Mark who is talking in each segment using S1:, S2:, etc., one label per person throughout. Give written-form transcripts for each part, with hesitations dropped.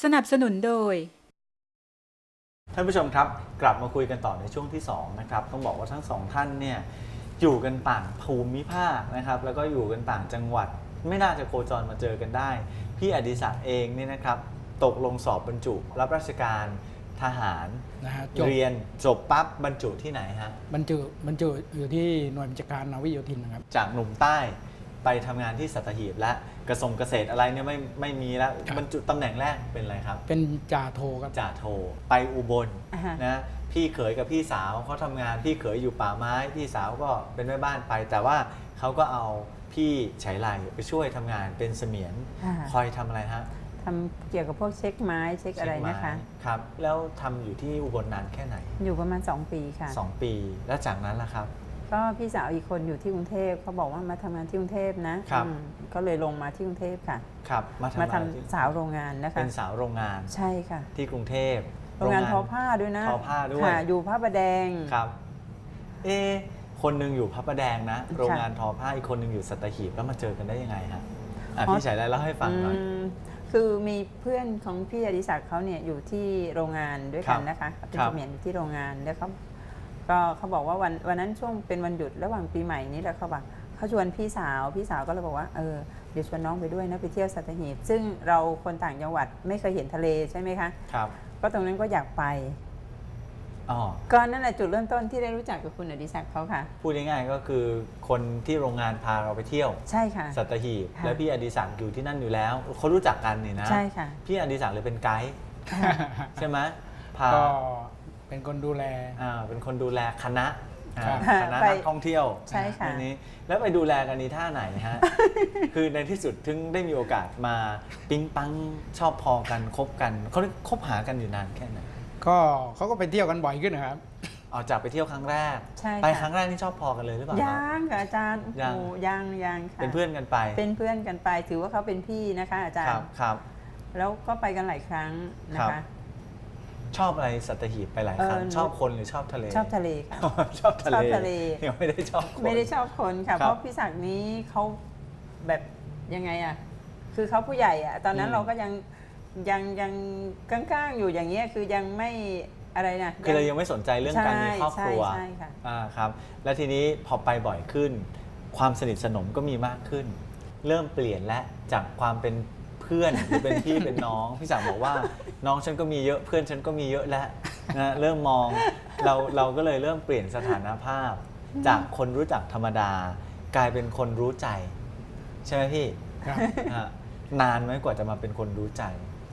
S1: นับสนุนโดย
S2: ท่านผู้ชมครับกลับมาคุยกันต่อในช่วงที่2นะครับต้องบอกว่าทั้งสองท่านเนี่ยอยู่กันต่างภูมิภาคนะครับแล้วก็อยู่กันต่างจังหวัดไม่น่าจะโคจรมาเจอกันได้พี่อดิศักดิ์เองเนี่ยนะครับตกลงสอบบรรจุรับราชการทหาร
S3: นะฮะ
S2: เรียนจบปั๊บบรรจุที่ไหนฮะ
S3: บรรจุอยู่ที่หน่วยบัญชาการนาวิโยธินนะครับ
S2: จากหนุ่มใต้ไปทำงานที่สัตหีบและกระทรวงเกษตรอะไรเนี่ยไม่มีแล้วบรรจุตำแหน่งแรกเป็นอะไรครับ
S3: เป็นจ่าโทครับ
S2: จ่าโทไปอุบลนะพี่เขยกับพี่สาวเขาทำงานพี่เขยอยู่ป่าไม้พี่สาวก็เป็นแม่บ้านไปแต่ว่าเขาก็เอาพี่ไฉไลไปช่วยทำงานเป็นเสมียนคอยทำอะไรฮะ
S4: ทำเกี่ยวกับพวกเช็คไม้เช็คอะไรนะคะ
S2: ครับแล้วทำอยู่ที่อุบลนานแค่ไหน
S4: อยู่ประมาณ2 ปีค่ะ
S2: 2 ปีแล้วจากนั้นล่ะครับ
S4: ก็พี่สาวอีกคนอยู่ที่กรุงเทพเขาบอกว่ามาทำงานที่กรุงเทพนะครับก็เลยลงมาที่กรุงเทพค่ะ
S2: ครับ
S4: มาทำสาวโรงงานนะคะ
S2: เป็นสาวโรงงาน
S4: ใช่ค่ะ
S2: ที่กรุงเทพ
S4: โรงงานทอผ้าด้วยนะ
S2: ทอผ้าด้วย
S4: อยู่พระประแดง
S2: ครับคนหนึ่งอยู่พระประแดงนะโรงงานทอผ้าอีกคนหนึ่งอยู่สัตหีบแล้วมาเจอกันได้ยังไงฮะพี่ไฉไลเล่าให้ฟังหน่อย
S4: คือมีเพื่อนของพี่อดิศักดิ์เขาเนี่ยอยู่ที่โรงงานด้วยกันนะคะเป็นเสมียนอยู่ที่โรงงานแล้วเขาบอกว่าวันนั้นช่วงเป็นวันหยุดระหว่างปีใหม่นี้แหละเขาชวนพี่สาวก็เลยบอกว่าเดี๋ยวชวนน้องไปด้วยนะไปเที่ยวสัตหีบซึ่งเราคนต่างจังหวัดไม่เคยเห็นทะเลใช่ไหมคะ
S2: ครับ
S4: ก็ตรงนั้นก็อยากไปก็นั่นแหละจุดเริ่มต้นที่ได้รู้จักกับคุณอดิศักดิ์เขาค่ะ
S2: พูดง่ายๆก็คือคนที่โรงงานพาเราไปเที่ยว
S4: ใช่ค่ะ
S2: สัตหีบและพี่อดิศักดิ์อยู่ที่นั่นอยู่แล้วเขารู้จักกันนี่นะ
S4: ใช่ค่ะ
S2: พี่อดิศักดิ์เลยเป็นไกด์ใช่ไหม
S3: ก็เป็นคนดูแล
S2: เป็นคนดูแลคณะนักท่องเที่ยว
S4: ใช่ค่ะ
S2: นี้แล้วไปดูแลกันนี้ท่าไหนฮะ คือในที่สุดถึงได้มีโอกาสมาปิ๊งปังชอบพอกันคบกันเขาคบหากันอยู่นานแค่ไหน
S3: ก็เขาก็ไปเที่ยวกันบ่อยขึ้นนะครับ
S2: จากไปเที่ยวครั้งแรกไปครั้งแรกนี่ชอบพอกันเลยหรือเปล่า
S4: ยังค่ะอาจารย์ยังค่ะ
S2: เป็นเพื่อนกันไป
S4: เป็นเพื่อนกันไปถือว่าเขาเป็นพี่นะคะอาจารย์
S2: ครับ
S4: แล้วก็ไปกันหลายครั้งนะคะ
S2: ชอบอะไรสัตหีบไปหลายครั้งชอบคนหรือชอบทะเล
S4: ชอบทะเลค่ะ
S2: ชอบทะเลยังไม่ได้ชอบคน
S4: ไม่ได้ชอบคนค่ะเพราะพี่ศักดิ์นี้เขาแบบยังไงอ่ะคือเขาผู้ใหญ่อ่ะตอนนั้นเราก็ยังก้างๆอยู่อย่างเงี้ยคือยังไม่อะไรนะ
S2: คือเรายังไม่สนใจเรื่องการมีครอบครัว
S4: ใช่ค่ะ
S2: ครับแล้วทีนี้พอไปบ่อยขึ้นความสนิทสนมก็มีมากขึ้นเริ่มเปลี่ยนและจากความเป็นเพื่อนหรือเป็นพี่เป็นน้องพี่ศักดิ์บอกว่าน้องฉันก็มีเยอะเพื่อนฉันก็มีเยอะแล้วนะเริ่มมองเราก็เลยเริ่มเปลี่ยนสถานภาพจากคนรู้จักธรรมดากลายเป็นคนรู้ใจใช่ไหมพี่นานไหมกว่าจะมาเป็นคนรู้ใจ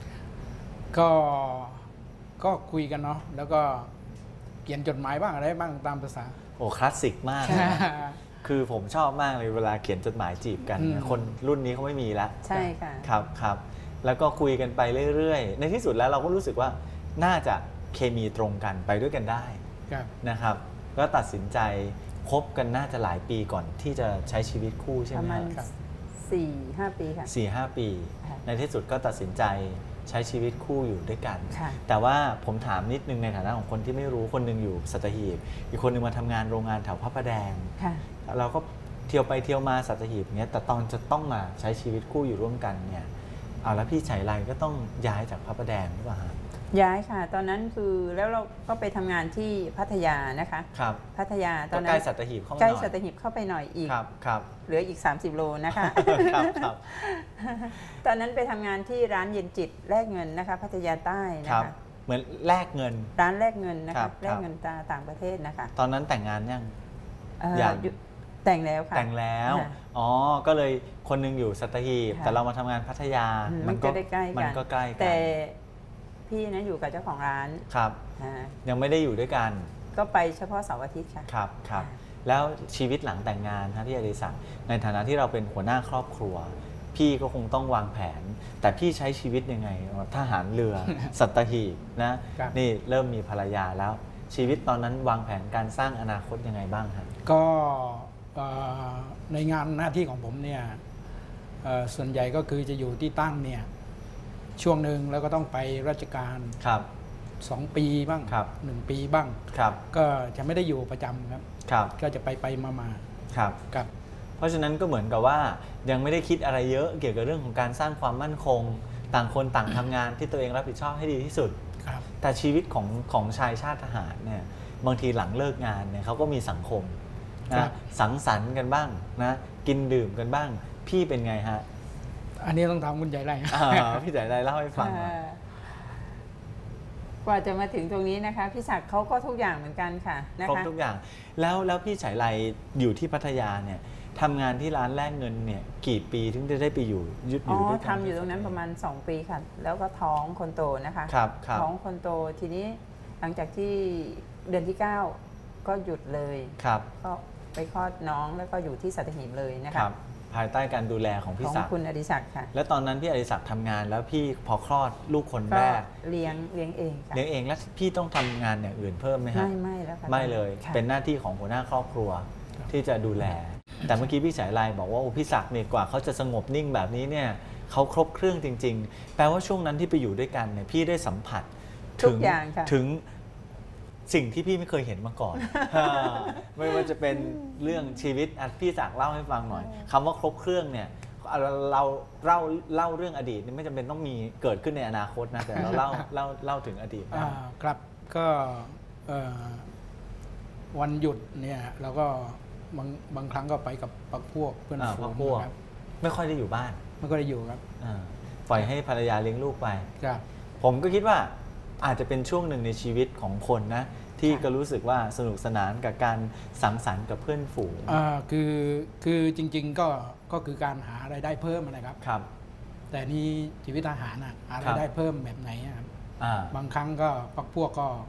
S3: ก็คุยกันเนาะแล้วก็เขียนจดหมายบ้างอะไรบ้างตามภาษา
S2: โอ้คลาสสิกมากคือผมชอบมากเลยเวลาเขียนจดหมายจีบกันคนรุ่นนี้เขาไม่มีแล้ว
S4: ใช่ค่ะ
S2: ครับแล้วก็คุยกันไปเรื่อยๆในที่สุดแล้วเราก็รู้สึกว่าน่าจะเคมีตรงกันไปด้วยกันได้นะครับก็ตัดสินใจคบกันน่าจะหลายปีก่อนที่จะใช้ชีวิตคู่ใช่ไหม
S4: ประมาณ4-5 ปีค่ะ
S2: 4-5 ปีในที่สุดก็ตัดสินใจใช้ชีวิตคู่อยู่ด้วยกันแต่ว่าผมถามนิดนึงในฐานะของคนที่ไม่รู้คนนึงอยู่สัตหีบอีกคนนึงมาทำงานโรงงานแถวพระประแดงเราก็เที่ยวไปเที่ยวมาสัตหีบเนี้ยแต่ตอนจะต้องมาใช้ชีวิตคู่อยู่ร่วมกันเนี่ยแล้วพี่ไฉไลก็ต้องย้ายจากพระประแดงหรือเปล่า
S4: ย้ายค่ะตอนนั้นคือแล้วเราก็ไปทำงานที่พัทยานะคะ
S2: ครับ
S4: พัทยาตอนนั้น
S2: ใกล้สัตหีบเข้ามา
S4: ใกล้สัตหีบเข้าไปหน่อยอีก
S2: ครับ
S4: เหลืออีก30 โลนะคะ
S2: ครับ
S4: ตอนนั้นไปทำงานที่ร้านเย็นจิตแลกเงินนะคะพัทยาใต้นะคะ
S2: เหมือนแลกเงิน
S4: ร้านแลกเงินนะคะแลกเงินต่างประเทศนะคะ
S2: ตอนนั้นแต่งงานยัง
S4: แต่งแล้วค่ะ
S2: แต่งแล้วก็เลยคนนึงอยู่สัตหีบแต่เรามาทำงานพัทยา
S4: มันก็ใกล้
S2: กัน
S4: แต่พี่นะอยู่กับเจ้าของร้าน
S2: ครับยังไม่ได้อยู่ด้วยกัน
S4: ก็ไปเฉพาะเสาร์อาทิตย์ค่ะ
S2: ครับแล้วชีวิตหลังแต่งงานพี่อดิศักดิ์ในฐานะที่เราเป็นหัวหน้าครอบครัวพี่ก็คงต้องวางแผนแต่พี่ใช้ชีวิตยังไงทหารเรือ สัตหีบนะนี่เริ่มมีภรรยาแล้วชีวิตตอนนั้นวางแผนการสร้างอนาคตยังไงบ้างครับ
S3: ก็ในงานหน้าที่ของผมเนี่ยส่วนใหญ่ก็คือจะอยู่ที่ตั้งเนี่ยช่วงหนึ่งแล้วก็ต้องไปราชการ2 ปีบ้าง1 ปีบ้างก็จะไม่ได้อยู่ประจำครับก็จะไปมา
S2: ครับเพราะฉะนั้นก็เหมือนกับว่ายังไม่ได้คิดอะไรเยอะเกี่ยวกับเรื่องของการสร้างความมั่นคงต่างคนต่างทำงานที่ตัวเองรับผิดชอบให้ดีที่สุด
S3: ครับ
S2: แต่ชีวิตของชายชาติทหารเนี่ยบางทีหลังเลิกงานเนี่ยเขาก็มีสังคม
S3: ครั
S2: นะ
S3: บ
S2: สังสรรค์กันบ้างนะกินดื่มกันบ้าง พี่เป็นไงฮะ
S3: อันนี้ต้องถามคุณใจไร
S2: พี่จ๋าได้เล่าให้ฟังหน่อย
S4: กว่าจะมาถึงตรงนี้นะคะพี่ศักดิ์เขาก็ทุกอย่างเหมือนกันค่ะนะ
S2: ครบ
S4: คะ
S2: ทุกอย่างแล้วพี่ฉายไลอยู่ที่พัทยาเนี่ยทำงานที่ร้านแลกเงินเนี่ยกี่ปีถึงจะได้ไปอยู่ยึดอ
S4: อ๋อยู่
S2: ด้วยกัน
S4: ทำอยู่ตรงนั้นประมาณ 2 ปีค่ะ แล้วก็ท้องคนโตนะคะ
S2: ครับครับ
S4: ท้องคนโตทีนี้หลังจากที่เดือนที่ 9 ก็หยุดเลย
S2: ครับ
S4: ก็ไปคลอดน้องแล้วก็อยู่ที่สัตหีบเลยนะ
S2: ค
S4: คะ
S2: รับภายใต้การดูแลของ
S4: ข
S2: พี่
S4: อง
S2: ศักดิ์
S4: คุณอดิศักดิ์ค่ะ
S2: แล้วตอนนั้นพี่อดิศักดิ์ทำงานแล้วพี่พอคลอดลูกคน
S4: ก็
S2: แรก
S4: เลี้ยงเองค่ะ
S2: เลี้ยงเองแล้วพี่ต้องทำงานอย่างอื่นเพิ่มไหมฮะ
S4: ไม่แล้วค่ะ
S2: ไม่เลย
S4: ค่ะ
S2: เป็นหน้าที่ของหัวหน้าครอบครัวที่จะดูแล แต่เมื่อกี้พี่ฉายไลบอกว่าโอ้พี่ศักดิ์เนี่ยกว่าเขาจะสงบนิ่งแบบนี้เนี่ยเขาครบเครื่องจริง ๆ แปลว่าช่วงนั้นที่ไปอยู่ด้วยกันเนี่ยพี่ได้สัมผัส
S4: ทุกอย่างค่ะ
S2: ถึงสิ่งที่พี่ไม่เคยเห็นมาก่อน ไม่ว่าจะเป็นเรื่องชีวิตพี่ศักดิ์เล่าให้ฟังหน่อยคำว่าครบเครื่องเนี่ยเราเล่าเรื่องอดีตนี่ไม่จำเป็นต้องมีเกิดขึ้นในอนาคตนะแต่เราเล่าถึงอดีตบ้าง
S3: ครับก็วันหยุดเนี่ยเราก็บางครั้งก็ไปกับพรรคพวกเพื่อนฝู
S2: พรร
S3: ง
S2: คพวก
S3: ครับ
S2: ไม่ค่อยได้อยู่บ้าน
S3: มันก็ได้อยู่ครับ
S2: ปล่อยให้ภรรยาเลี้ยงลูกไป
S3: ครับ
S2: ผมก็คิดว่าอาจจะเป็นช่วงหนึ่งในชีวิตของคนนะที่ก็รู้สึกว่าสนุกสนานกับการสังสรรค์กับเพื่อนฝูง
S3: คือจริงๆก็คือการหารายได้เพิ่มนะครับ
S2: ครับ
S3: แต่นี่ชีวิตทหารหารายได้เพิ่มแบบไหนครับ
S2: อ่า
S3: บางครั้งก็พรรคพวกก็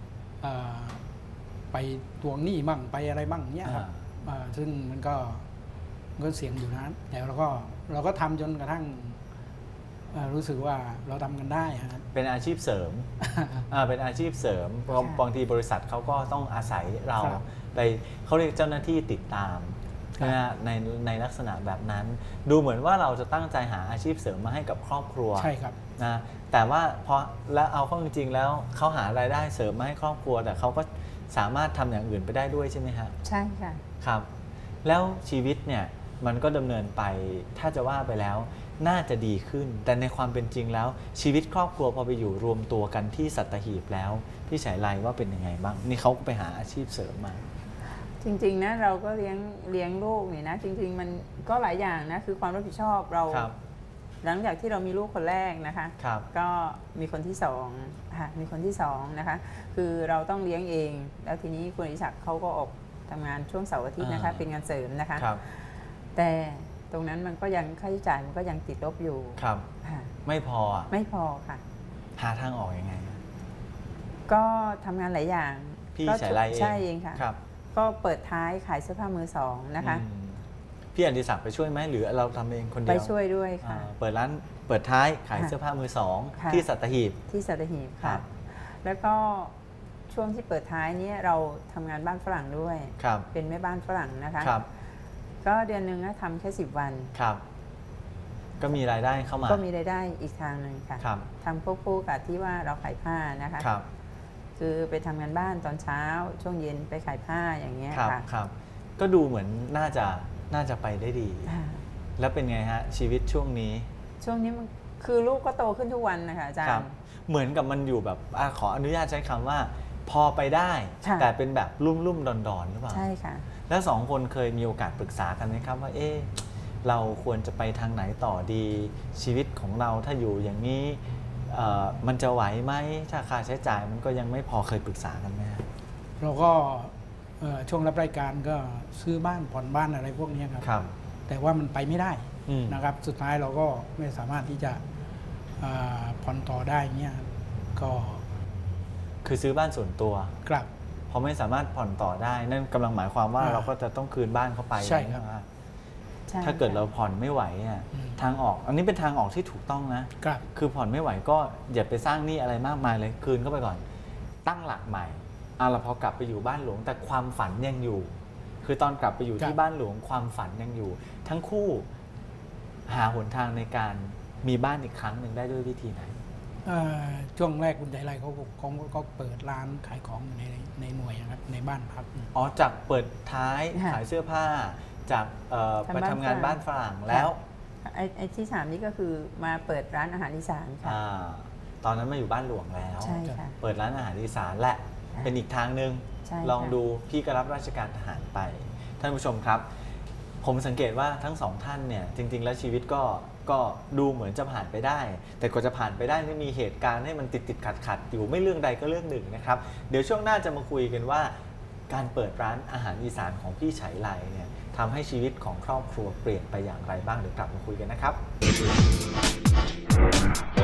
S3: ไปทวงหนี้มั่งไปอะไรมั่งเนี้ยครับซึ่งมันก็เสี่ยงอยู่นะแต่เราก็ทำจนกระทั่งรู้สึกว่าเราทำกันได้ครับ
S2: เป็นอาชีพเสริม เป็นอาชีพเสริมเพราะบางทีบริษัทเขาก็ต้องอาศัยเรา
S3: ครับ
S2: ไปเขาเรียกเจ้าหน้าที่ติดตาม
S3: ครับ
S2: นะฮะในลักษณะแบบนั้น ดูเหมือนว่าเราจะตั้งใจหาอาชีพเสริมมาให้กับครอบครัว
S3: ใช่ครับ
S2: นะแต่ว่าพอแล้วเอาเข้าจริงๆแล้วเขาหารายได้เสริมมาให้ครอบครัว แต่เขาก็สามารถทำอย่างอื่นไปได้ด้วยใช่ไหมฮะ
S4: ใช่ค่ะ
S2: ครับ แล้วชีวิตเนี่ยมันก็ดำเนินไปถ้าจะว่าไปแล้วน่าจะดีขึ้น แต่ในความเป็นจริงแล้ว ชีวิตครอบครัวพอไปอยู่รวมตัวกันที่สัตหีบแล้วพี่ฉายไลว่าเป็นยังไงบ้างนี่เขาก็ไปหาอาชีพเสริมมา
S4: จริงๆนะเราก็เลี้ยงลูกนี่นะจริงๆมันก็หลายอย่างนะคือความรับผิดชอบเรา
S2: ครับ
S4: หลังจากที่เรามีลูกคนแรกนะคะ
S2: ครับ
S4: ก็มีคนที่สองค่ะมีคนที่สองนะคะคือเราต้องเลี้ยงเอง แล้วทีนี้คุณอดิศักดิ์เขาก็ออกทำงานช่วงเสาร์อาทิตย์นะคะเป็นงานเสริมนะคะ
S2: ครับ
S4: แต่ตรงนั้นมันก็ยังค่าใช้จ่ายมันก็ยังติดลบอยู่
S2: ครับ
S4: ค่ะ
S2: ไม่พออ่ะ
S4: ไม่พอค่ะ
S2: หาทางออกยังไงอะ
S4: ก็ทำงานหลายอย่าง
S2: พี่
S4: ก็
S2: ฉายไลเอง
S4: ใช่เองค่ะ
S2: ครับ
S4: ก็เปิดท้ายขายเสื้อผ้ามือสองนะคะ
S2: อืมพี่อดิศักดิ์ไปช่วยไหมหรือเราทำเองคนเดี
S4: ไป
S2: ยว
S4: ช่วยด้วยค่ะ
S2: เปิดร้านเปิดท้ายขาย
S4: ค่ะ
S2: เสื้อผ้ามือสอง
S4: ค่ะ
S2: ที่สัตหีบ
S4: ที่สัตหีบ
S2: ครั
S4: ค่ะ
S2: บ
S4: แล้วก็ช่วงที่เปิดท้ายเนี้เราทำงานบ้านฝรั่งด้วย
S2: ครับ
S4: เป็นแม่บ้านฝรั่งนะคะ
S2: ครับ
S4: ก็เดือนหนึ่งนะทำแค่10 วัน
S2: ครับ ก็มีรายได้เข้ามา
S4: ก็มีรายได้อีกทางหนึ่งค่ะ
S2: ครับ
S4: ทำควบคู่กับที่ว่าเราขายผ้านะคะ
S2: ครับ
S4: คือไปทำงานบ้านตอนเช้า ช่วงเย็นไปขายผ้าอย่างเงี้ย
S2: ครับ
S4: ค่ะ
S2: ครับ ก็ดูเหมือนน่าจะไปได้ดี
S4: อ่า
S2: แล้วเป็นไงฮะ ชีวิตช่วงนี้
S4: ช่วงนี้มันคือลูกก็โตขึ้นทุกวันนะคะอาจาร
S2: ครับ
S4: ย์
S2: เหมือนกับมันอยู่แบบขออนุญาตใช้คำว่า พอไปได้
S4: ค่ะ
S2: แต่เป็นแบบลุ่มๆดอนๆหรือเปล่า
S4: ใช่ค่ะ
S2: แล้วสองคนเคยมีโอกาสปรึกษากันไหมครับว่าเราควรจะไปทางไหนต่อดีชีวิตของเราถ้าอยู่อย่างนี้มันจะไหวไหมถ้าค่าใช้จ่ายมันก็ยังไม่พอเคยปรึกษากันไหมครับ
S3: เราก็ช่วงรับรายการก็ซื้อบ้านผ่อนบ้านอะไรพวกนี้ครับ
S2: ครับ
S3: แต่ว่ามันไปไม่ได้
S2: อืม
S3: นะครับ สุดท้ายเราก็ไม่สามารถที่จะผ่อนต่อได้เงี้ยก็
S2: คือซื้อบ้านส่วนตัว
S3: กลับ
S2: พอไม่สามารถผ่อนต่อได้ นั่นกำลังหมายความว่า
S3: อ่า
S2: เราก็จะต้องคืนบ้านเข้าไป
S3: ใช่ครับ
S2: ไหม
S4: ใช่
S2: ถ้าเกิด
S4: ค่ะ
S2: เราผ่อนไม่ไหวอ่ะ
S3: อืม
S2: ทางออก อันนี้เป็นทางออกที่ถูกต้องนะ
S3: กลับ
S2: คือผ่อนไม่ไหวก็อย่าไปสร้างหนี้อะไรมากมายเลยคืนเข้าไปก่อน ตั้งหลักใหม่เราพอกลับไปอยู่บ้านหลวงแต่ความฝันยังอยู่ คือตอนกลับไปอยู่
S3: ครับ
S2: ที่บ้านหลวงความฝันยังอยู่ ทั้งคู่หาหนทางในการมีบ้านอีกครั้งหนึ่งได้ด้วยวิธีไหน
S3: ช่วงแรกคุณใจไรเขาเปิดร้านขายของอยู่ในหน่วยนะครับในบ้านพัก
S2: อ๋อจากเปิดท้าย
S4: ค่ะ
S2: ขายเสื้อผ้าจากไปทำงานบ้านฝรั่งแล้ว
S4: ไอ้ที่3นี่ก็คือมาเปิดร้านอาหารอีสานค่ะ
S2: ตอนนั้นมาอยู่บ้านหลวงแล้ว
S4: ใช่ค่ะ
S2: เปิดร้านอาหารอีสานและ
S4: ค่ะ
S2: เป็นอีกทางหนึ่ง
S4: ใช่ค่ะ
S2: ลองดูพี่ก็รับราชการทหารไป ท่านผู้ชมครับ ผมสังเกตว่าทั้งสองท่านเนี่ยจริง ๆ แล้วชีวิตก็ดูเหมือนจะผ่านไปได้ แต่กว่าจะผ่านไปได้นี่มีเหตุการณ์ให้มันติดขัดอยู่ไม่เรื่องใดก็เรื่องหนึ่งนะครับเดี๋ยวช่วงหน้าจะมาคุยกันว่าการเปิดร้านอาหารอีสานของพี่ไฉไลเนี่ยทำให้ชีวิตของครอบครัวเปลี่ยนไปอย่างไรบ้างเดี๋ยวกลับมาคุยกันนะครับ